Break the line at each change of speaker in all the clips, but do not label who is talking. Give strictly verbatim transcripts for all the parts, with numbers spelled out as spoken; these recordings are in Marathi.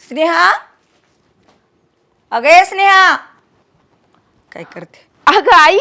स्नेहा, अगे स्नेहा, काय करते?
अगं आई,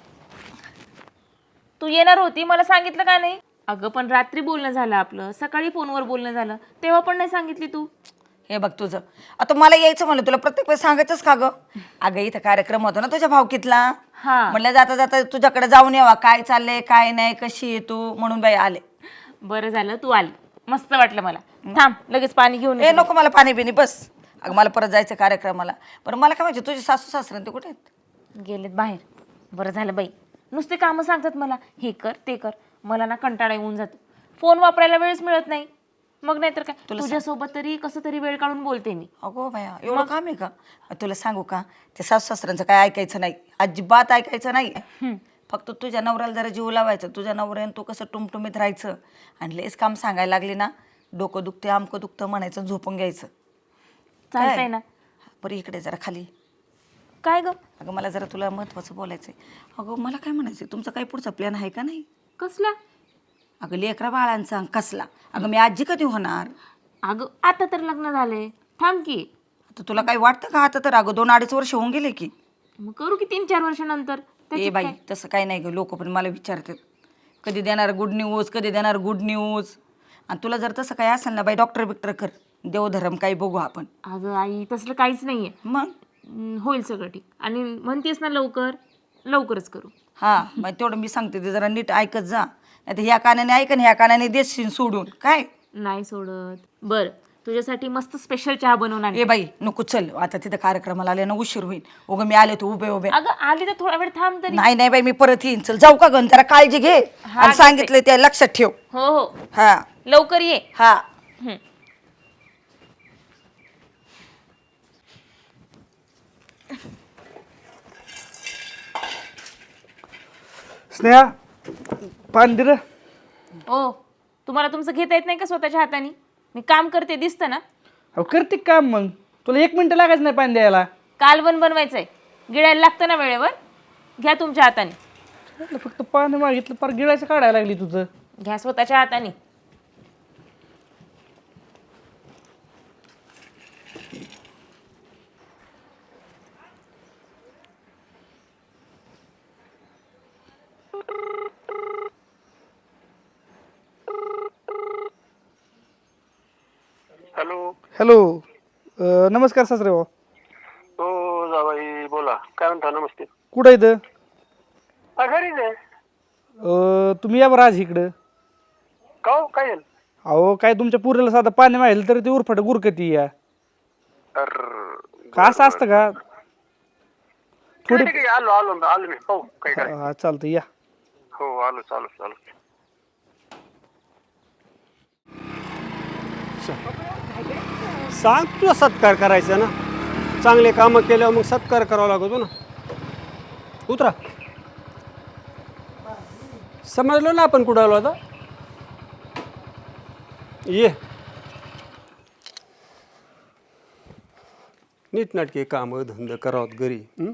तू येणार होती मला सांगितलं का नाही? अगं पण रात्री बोलणं झालं आपलं, सकाळी फोनवर बोलणं झालं, तेव्हा पण नाही सांगितली तू.
हे बघ तुझं आता मला यायचं म्हणलं तुला प्रत्येक वेळेस सांगायचंच का ग? अगं इथं कार्यक्रम होतो ना तुझ्या भावकीतला,
हा
म्हणलं जाता जाता तुझ्याकडे जाऊन यावा, काय चाललंय काय नाही, कशी आहे तू, म्हणून बाई आले.
बरं झालं तू आली, मस्त वाटलं मला. थांब लगेच पाणी घेऊन
ए
येते.
नको मला पाणी बिनी बस. अगं मला परत जायचं कार्यक्रमाला. पण मला काय माहिती तुझे सासू सासरे ते कुठे आहेत?
गेलेत बाहेर. बरं झालं बाई, नुसते कामं सांगतात मला, हे कर ते कर. मला ना कंटाळा येऊन जातो, फोन वापरायला वेळच मिळत नाही. मग नाहीतर काय, तुझ्यासोबत तरी कसं तरी वेळ काढून बोलते मी.
अगो बाया एवढं काम आहे का? तुला सांगू का, ते सासू सासऱ्यांचं काय ऐकायचं नाही, अजिबात ऐकायचं नाही. फक्त तुझ्या नवऱ्याला जरा जीव लावायचं, तुझ्या नवऱ्यानं तू कसं टुमटुमीत राहायचं. आणि लेस काम सांगायला लागली ना, डोकं दुखते आमकं दुखतं म्हणायचं, झोपून घ्यायचं.
चालतंय ना.
बरं इकडे जरा खाली.
काय ग?
अगं मला जरा तुला महत्त्वाचं बोलायचं आहे. अगं मला काय म्हणायचं, तुमचा काही पुढचा प्लॅन आहे का नाही?
कसला?
अगं लेकरा बाळांचा कसला? अगं मी आजी कधी होणार?
अगं आता तर लग्न झाले, थांब की.
आता तुला काही वाटतं का? आता तर अगं दोन अडीच वर्ष होऊन गेले की.
मग करू की तीन चार वर्षानंतर.
ए बाई तसं काही नाही ग, लोक पण मला विचारतात कधी देणार गुड न्यूज, कधी देणार गुड न्यूज. आणि तुला जर तसं काही असेल ना बाई, डॉक्टर बिक्टर कर, देवधर्म काही बघू आपण.
अगं आई तसलं काहीच नाहीये.
मग
हम्म, होईल सगळं ठीक. आणि म्हणतेस ना लवकर, लवकरच करू.
हां मग तेवढं मी सांगते ते जरा नीट ऐकत जा, नाही तर ह्या कानाने ऐक आणि ह्या कानाने देशील सोडून काय.
नाही सोडत. बरं तुझ्यासाठी मस्त स्पेशल चहा बनवून आणते.
ए बाई नको, चल आता तिथं कार्यक्रमाला आले ना उशीर होईल. उगं मी आले तू उभे उभे.
अगं आली तर थोडा वेळ थांब तरी.
नाही नाही बाई मी परत येईन, चल जाऊ का गण, जरा काळजी घे आणि सांगितलं ते लक्षात ठेव.
हो हो
हा
लवकर ये.
हा.
हम्म.
स्नेहा पाणी दे रे.
ओ तुम्हाला तुमचं घेता येत नाही का स्वतःच्या हाताने? मी काम करते दिसतं ना.
अहो करते काम, मग तुला एक मिनिट लागायचं नाही पाणी द्यायला.
कालवण बनवायचंय, गिळायला लागतं ना वेळेवर. घ्या तुमच्या हाताने.
म्हटलं फक्त पाणी मागितलं, पार गिळायचं काढायला लागली तुझं.
घ्या स्वतःच्या हाताने.
हॅलो.
हॅलो, अं, नमस्कार सासरे भाऊ.
हो जावाई बोला, काय म्हणता? नमस्ते.
कुठं इथं?
हा, घरीच आहे.
अं, तुम्ही या बरं आज इकडं.
का हो, काय झालं?
अहो काय तुमच्या पुरेला साधं पाणी माहिलं तर ते उरफाट गुरकती या.
अर्र,
का असं असतं का?
ठीक आहे, ठीक आहे, आलो आलो आलो मी. हो काय काय.
हा चालतं या.
हो आलो चालू चालू.
सांग तुला सत्कार करायचा ना, चांगले कामं केल्यावर मग सत्कार करावा लागतो ना. उतरा. समजलो ना आपण कुठं आलो आता. ये नीटनाटके कामं धंद करावं घरी. हं?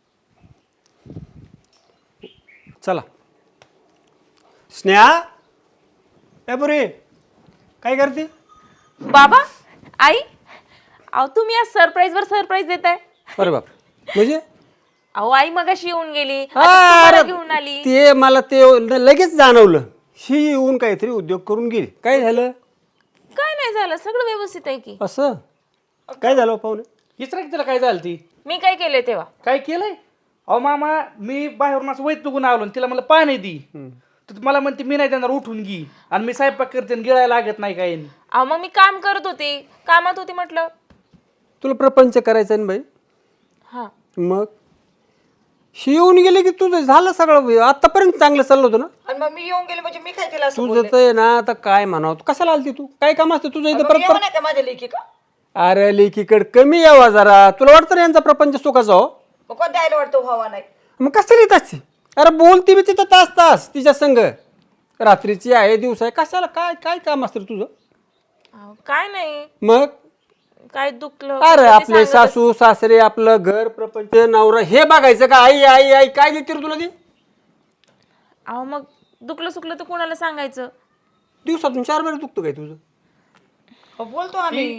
चला. स्नेहा ए बुरी काय करते?
बाबा, आई, अहो तुम्ही आज सरप्राईज वर सरप्राईज देताय.
अरे बाप, म्हणजे
अहो आई मगाशी येऊन गेली, आता
हा,
तुम्हाला
अरे,
घेऊन आली.
ते मला ते लगेच जाणवलं, ही येऊन काहीतरी उद्योग करून गेली. काय झालं?
काय नाही झालं, सगळं व्यवस्थित आहे की.
असं काय झालं पाहुणे?
हिचरा की तिला काय झालं ती?
मी काय केलंय तेव्हा?
काय केलंय? अहो मामा मी बाहेरून असं वैत तुकून आलो आणि तिला मला पाणी दी, तर मला म्हणते मी नाही देणार, उठून घी. आणि मी स्वयंपाक करते आणि गिळायला लागत नाही काही.
अहो मग मी काम करत होते, कामात होते म्हटलं.
तुला प्रपंच करायचा ना बाई.
हा
मग ही येऊन गेले की तुझं झालं सगळं. आतापर्यंत चांगलं चाललं होतं ना.
आणि मग मी येऊन गेले म्हणजे मी काय तिला असं
तुझं तर ना आता काय म्हणावं, तू कशाला आलती तू? काय काम असतं तुझं इथं? परत
बोलले? नाही का माझ्या लेखी का?
अरे लेकीकडे कमी यावा जरा. तुला वाटतं ना यांचा प्रपंच सुखाचा हो?
मग कोण द्यायला वाटतं व्हावा नाही?
मग कशाला येत असते? अरे बोलती मी तिथं तास तास तिच्या संग. रात्रीची आहे दिवस आहे, कशाला काय काय काम असतं रे तुझं?
अहो, काय नाही,
मग
काय दुखलं
अरे
ते
आपले
सांगत
सासू सासरे आपलं घर प्रपंच नवरा हे बघायचं का? आई आई आई काय देते रे तुला ती?
अहो मग दुखलं सुकलं तर कोणाला सांगायचं?
दिवसातून चार वेळा दुखतं काय तुझं?
हो, बोलतो आम्ही.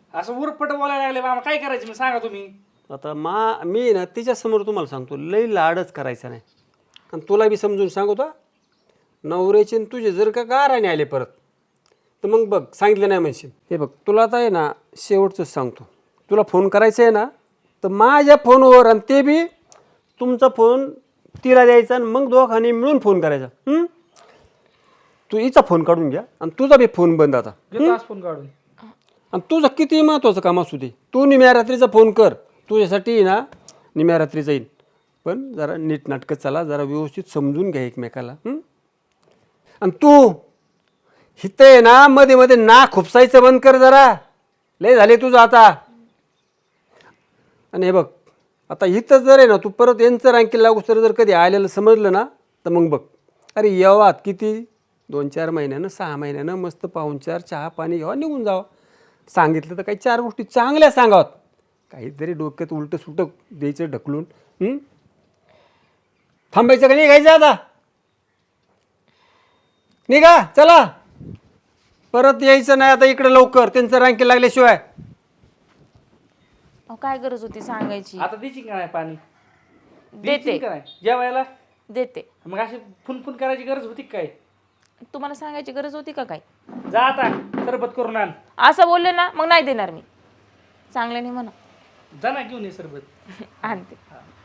असं उरफट बोलायला लागले मामा, काय करायचं मी सांगा तुम्ही.
आता मा मी ना तिच्यासमोर तुम्हाला सांगतो लई लाडच करायचा नाही. आणि तुला बी समजून सांगतो, नवऱ्याचे न तुझे जर का गाराने आले परत तर मग बघ सांगितलं नाही म्हणशील. हे बघ तुला आता आहे ना शेवटचंच सांगतो, तुला फोन करायचा आहे ना तर माझ्या फोनवर, आणि ते बी तुमचा फोन तिला द्यायचा आणि मग दोघांनी मिळून फोन करायचा. हं? तू हिचा फोन काढून घ्या आणि तुझा बी फोन बंद आता.
घेतो आज फोन काढून.
आणि तुझं किती महत्त्वाचं काम असू दे, तू निम्या रात्रीचा फोन कर, तुझ्यासाठी ना निम्या रात्रीचा येईल. पण जरा नीटनाटकं चला, जरा व्यवस्थित समजून घ्या एकमेकाला. हं? आणि तू हिथं आहे ना मध्ये मध्ये ना खुपसायचं बंद कर जरा, लय झाले तुझं आता. आणि हे बघ आता इथं जर आहे ना तू परत यांचं रँकिंग लागू तर जर कधी आलेलं समजलं ना तर मग बघ, अरे येवात किती दोन चार महिन्यानं सहा महिन्यानं मस्त पाहुणचार चहा पाणी घ्यावा निघून जावं. सांगितलं तर काही चार गोष्टी चांगल्या सांगावत, काहीतरी डोक्यात उलटं सुटं द्यायचं ढकलून. हं? थांबायचं का निघायचं आता? निघा चला, परत यायचं नाही आता इकडे लवकर, त्यांचं रँकिंग लागल्याशिवाय.
अहो, काय गरज होती सांगायची.
आता द्यायची का नाही पाणी?
देते
द्यायची का नाही जेवायला?
देते.
मग अशी फुन फुन करायची गरज होती का काय?
तुम्हाला सांगायची गरज होती का काय?
जा आता सरबत करून आण.
असं बोलले ना मग नाही देणार मी, चांगल्याने म्हणा.
जा ना घेऊन ये सरबत.
आणते.